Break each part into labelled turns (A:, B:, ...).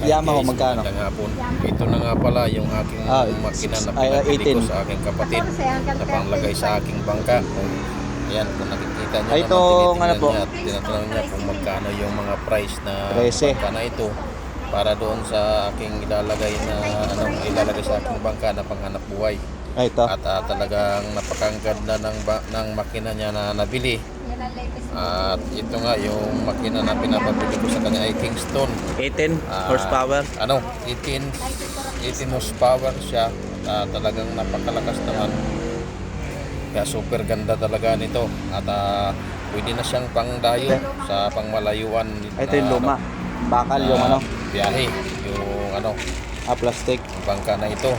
A: Yamaha magkano?
B: Magandang hapon. Ito na nga pala yung aking makina na pinabili ko sa aking kapatid na panglagay sa aking bangka. Ayan, kung nakikita nyo
A: Ay,
B: naman,
A: itong ano po?
B: niya at tinatanong niya kung magkano yung mga price na
A: 13.
B: bangka na ito para doon sa aking ilalagay sa aking bangka na panghanap buhay.
A: Ay, ito.
B: At talagang napakaganda ng makina niya na nabili. At ito nga yung makina na pinapabili ko sa kanya ay Kingston.
A: 18 horsepower.
B: 18 horsepower siya. Talagang napakalakas naman. Kaya super ganda talaga nito. At pwede na siyang pangdayo sa pangmalayuan.
A: Ito yung luma. Bakal yung ano?
B: Biyahe. Yung
A: plastic.
B: bangka na ito.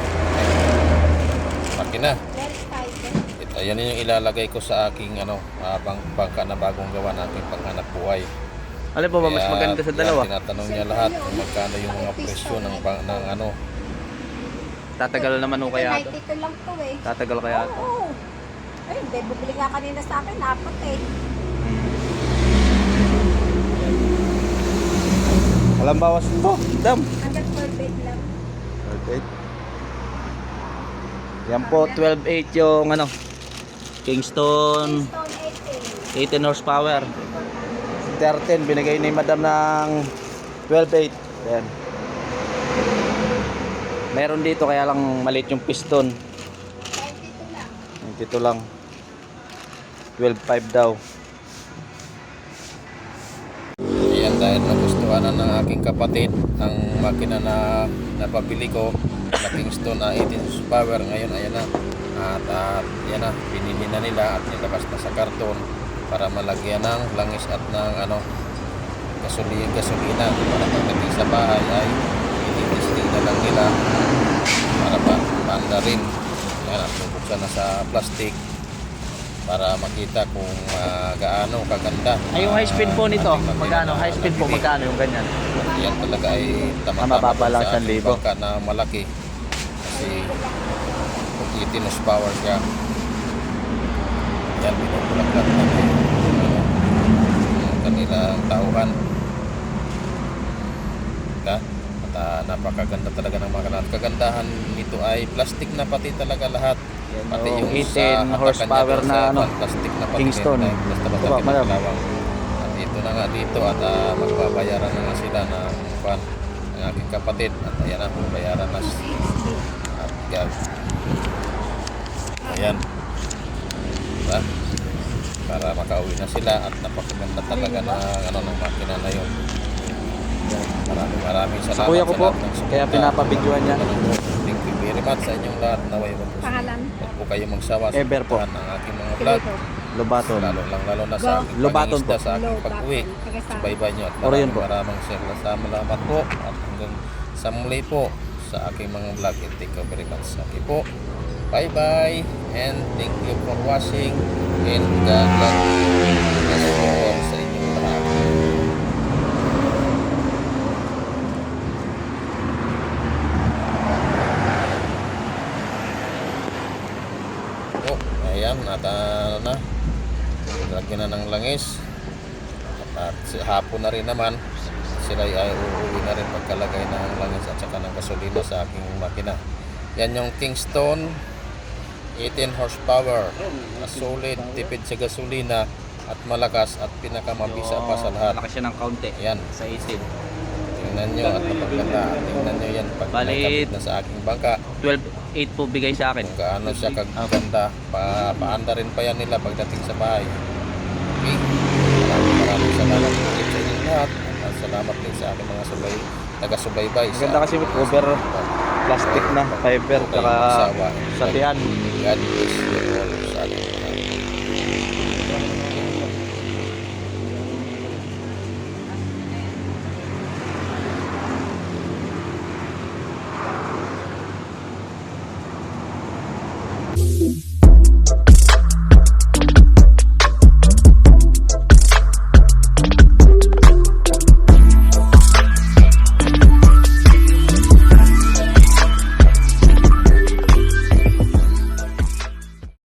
B: Makina. Ayan yung ilalagay ko sa aking bangka na bagong gawa na aking panghanap buhay.
A: Ano po ba mas maganda sa dalawa?
B: Tinatanong niya lahat kung magkano yung mga presyo ng
A: Tatagal naman o kaya ito?
C: Dito lang to eh.
A: Tatagal kaya ito?
C: Oo. Ay, hindi. Bumili nga kanina sa akin. Apat eh.
A: Walang bawas nito. Dam.
C: Hanggang 12 lang.
A: 12.8. Yan po, 12.8 yung Kingston
C: Stone
A: 18 horsepower. 13 binigay ni madam ng 12.8. Ayan. Meron dito kaya lang maliit yung piston.
C: 18.
A: 92 lang. 12.5 daw.
B: Ayan, dahil nagustuhan na ng aking kapatid ang makina na napabili ko na Kingston 18 horsepower. Ngayon ayan na. At yan na, binili na nila at nilabas na sa karton para malagyan ng langis at ng gasolina para pagdating sa bahay ay i-testing na lang nila para paanda rin. Yan, at bubuksan na sa plastic para makita kung gaano kaganda.
A: Ay, yung high speed po nito, magkano? High speed po, magkano yung ganyan?
B: Yan talaga ay
A: mababa lang
B: sa ating
A: 1,000.
B: bangka na malaki kasi 18 horsepower siya. Yan, pinupulak-lak na yung kanilang tauhan. At napakaganda talaga ng mga kanal. Kagandahan nito ay plastic na pati talaga lahat.
A: Yan,
B: Pati yung
A: 18 horsepower na
B: plastic na pati
A: Kingston.
B: basta-basta kinalawang. At ito na nga dito at magbabayaran na nga sila ng aking kapatid. At ayan na, bayaran na at ayan, diba? Para makauwi na sila at napakaganda talaga ng makina na yun. Maraming salamat
A: Sa kuya ko po,
B: sa lahat ng suporta.
A: kaya pinapabidyoan niya.
B: Thank you very much sa inyong lahat. Naway
C: Pangalan?
B: Huwag po kayo magsawa sa
A: Ever po.
B: ng aking mga vlog.
A: Lobaton.
B: Lalo na sa aking
A: Lobaton
B: pangingisda,
A: po.
B: sa aking pag-uwi. Subaybay nyo at
A: Orion po.
B: maraming salamat po at hanggang sa muli po sa aking mga vlog. Thank you very much. Okay po. Bye bye and thank you for watching and God bless you all sa inyong lahat. Oh, ayan at lagyan na ng langis at hapon na rin naman sila ay uuwi na rin pagkalagay ng langis at saka ng gasolina sa aking makina. Yan yung Kingston 18 horsepower na solid, tipid sa gasolina at malakas at pinakamabisa pa sa lahat.
A: Malaki siya ng kaunti.
B: Yan,
A: Sa 18.
B: tingnan nyo at napaganda. Tingnan nyo yan pag
A: Bali,
B: nakabit na sa aking bangka
A: 12.8 po bigay sa akin.
B: kung gaano siya kaganda. Paanda rin pa yan nila pagdating sa bahay. Okay, maraming salamat ulit sa inyong lahat at salamat din sa aking mga taga-subaybay.
A: Maganda kasi over plastic na fiber
B: Huwag kayong
A: saka
B: magsawa.
A: sa tiyan.
B: God bless you.